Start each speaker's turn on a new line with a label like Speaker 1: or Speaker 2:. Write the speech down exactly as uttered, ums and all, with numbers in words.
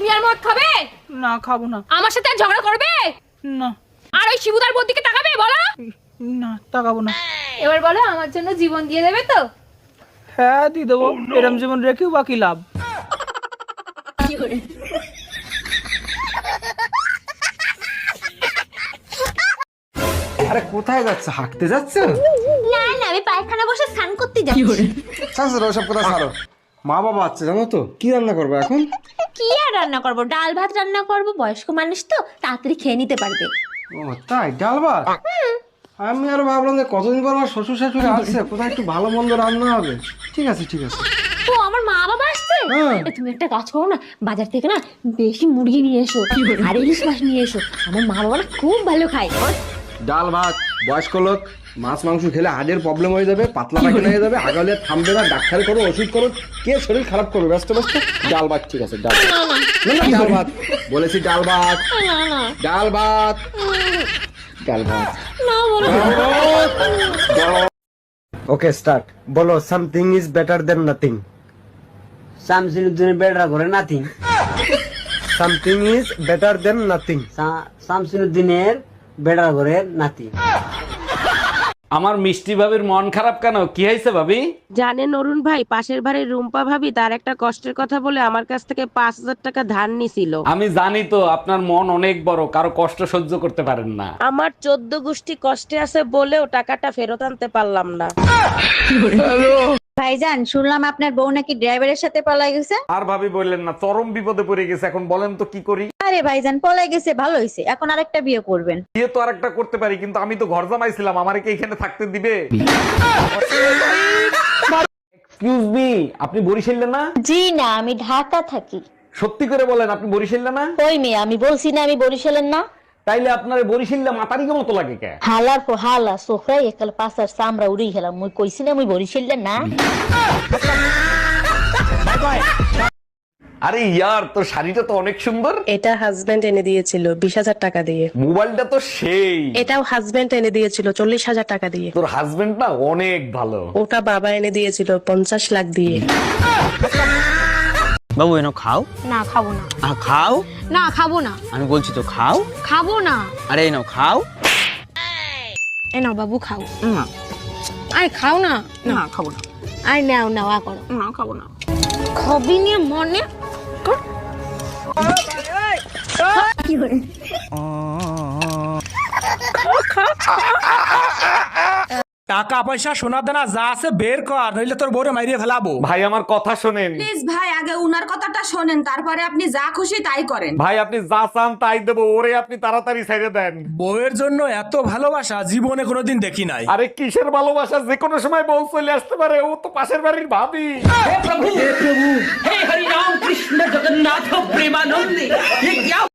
Speaker 1: তুমি আর মদ খাবে?
Speaker 2: না খাবো না।
Speaker 1: আমার সাথে আর ঝগড়া করবে
Speaker 2: না।
Speaker 1: আর ওই শিবুদার বোন দিকে তাকাবে? বলো
Speaker 2: না, তাকাবো না।
Speaker 1: এবার বলো আমার জন্য জীবন দিয়ে দেবে তো?
Speaker 2: হ্যাঁ দিয়ে দেবো। এরম জীবন রেখেও বাকি লাভ।
Speaker 3: আরে কোথায় যাচ্ছে? হাঁটতে যাচ্ছে?
Speaker 4: না না, আমি পায়খানা বসে স্নান করতে যাচ্ছি।
Speaker 3: ছাড়ো ওসব কথা ছাড়ো। মা বাবা আছে জানো তো, কি রান্না করবো এখন?
Speaker 4: কি আর রান্না করব? ডাল ভাত রান্না করব, বয়স্ক মানুষ তো তাড়াতাড়ি খেয়ে নিতে পারবে।
Speaker 3: ও তাই, ডাল ভাত? আমি আর ভাবলাম যে কতদিন পর আমার শ্বশুর শাশুড়ি আসছে, কোথায় একটু ভালো মন্দ রান্না হবে। ঠিক আছে ঠিক আছে।
Speaker 4: ও আমার মা বাবা আসছে?
Speaker 3: হ্যাঁ।
Speaker 4: এ, তুমি একটা কাজ করো না, বাজার থেকে না বেশি মুরগি নিয়ে এসো আর ইলিশ মাছ নিয়ে এসো। আমার মা বাবা না খুব ভালো খায়।
Speaker 3: ডাল ভাত, বয়স্ক লোক মাছ মাংস খেলে হার্টের প্রবলেম হয়ে যাবে, পাতলা পায়খানা হয়ে যাবে, আগালে থামবে না, ডাক্তার করো, ওষুধ করো, কে শরীর খারাপ করবে? ব্যস্ত ব্যস্ত। ডাল ভাত ঠিক আছে, ডাল ভাত। না না, ডাল ভাত বলেছি, ডাল ভাত।
Speaker 4: না না
Speaker 3: ডাল ভাত, ডাল ভাত।
Speaker 4: না বলো।
Speaker 3: Okay start. বলো something is better than nothing.
Speaker 5: শামসিনুদ্দিনের বেড়া করে nothing.
Speaker 3: Something is better than nothing.
Speaker 5: শামসিনুদ্দিনের বেড়া করে নাতি।
Speaker 6: আমার মিষ্টি ভাবির মন খারাপ কেন? কি হয়েছে ভাবি?
Speaker 7: জানেন অরুণ ভাই, পাশের বাড়ির রুম্পা ভাবি তার একটা কষ্টের কথা বলে আমার কাছ থেকে পাঁচ হাজার টাকা ধার নিছিল।
Speaker 6: আমি জানি তো আপনার মন অনেক বড়, কারো কষ্ট সহ্য করতে পারেন না।
Speaker 7: আমার চোদ্দ গোষ্ঠী কষ্টে আছে বলেও টাকাটা ফেরত আনতে পারলাম না।
Speaker 4: ভাইজান, শুনলাম আপনার বউ নাকি ড্রাইভারের সাথে পলাই গেছে।
Speaker 6: আর ভাবি বললেন না, চরম বিপদে পড়ে গেছে। এখন বলেন তো কি করি?
Speaker 4: আরে ভাইজান, পলাই গেছে ভালো হয়েছে, এখন আরেকটা বিয়ে করবেন।
Speaker 6: বিয়ে তো আরেকটা করতে পারি, কিন্তু আমি তো ঘর জামাইছিলাম, আমারে কি এখানে থাকতে দিবে? এক্সকিউজ মি, আপনি বরিশালে না?
Speaker 4: জি না, আমি ঢাকা থাকি।
Speaker 6: সত্যি করে বলেন, আপনি বরিশালে না?
Speaker 4: কই মেয়ে, আমি বলছি না আমি বরিশালের না।
Speaker 6: তাইলে আপনার বরিশালে মাতারিকে মতো লাগে কে?
Speaker 4: হালার পর হালা সোফরাই একাল পাশার সামরা উড়ি গেলাম। মুই কইছি না মুই বরিশালের না।
Speaker 6: আরে ইয়ার, তোর শাড়িটা তো অনেক সুন্দর।
Speaker 7: এটা হাজবেন্ড এনে দিয়েছিল বিশ হাজার টাকা দিয়ে।
Speaker 6: মোবাইলটা তো সেই।
Speaker 7: এটাও হাজবেন্ড এনে দিয়েছিল চল্লিশ হাজার টাকা দিয়ে।
Speaker 6: তোর হাজবেন্ড না অনেক ভালো।
Speaker 7: ওটা বাবা এনে দিয়েছিল পঞ্চাশ লাখ দিয়ে।
Speaker 5: বাবু এনো খাও।
Speaker 1: না খাবো না।
Speaker 5: আ খাও।
Speaker 1: না খাবো না।
Speaker 5: আমি বলছি তো খাও।
Speaker 1: খাবো না।
Speaker 5: আরে এনো খাও।
Speaker 1: এ নাও বাবু খাও।
Speaker 5: না
Speaker 1: আরে খাও না।
Speaker 5: না খাবো না।
Speaker 1: আরে নাও নাও আ করো।
Speaker 5: না খাবো না।
Speaker 1: খাবি নিয়ে মনে কর।
Speaker 2: টাকা পয়সা সোনা দানা যা আছে বের কর, নইলে তোর বউরে মাইরিয়ে ফেলাবো।
Speaker 6: ভাই আমার কথা শোনেন।
Speaker 8: প্লিজ ভাই, আগে উনার কথাটা শোনেন, তারপরে আপনি যা খুশি তাই করেন।
Speaker 6: ভাই আপনি যা চান তাই দেবো, ওরে আপনি তাড়াতাড়ি ছেড়ে দেন।
Speaker 2: বউয়ের জন্য এত ভালোবাসা জীবনে কোনোদিন দেখি নাই।
Speaker 6: আরে কিসের ভালোবাসা, যে কোনো সময় বউ চলে আসতে পারে, ও তো পাশের বাড়ির ভাবি।
Speaker 9: हे हरि राम कृष्ण जगन्नाथ प्रेमानंद, ये क्या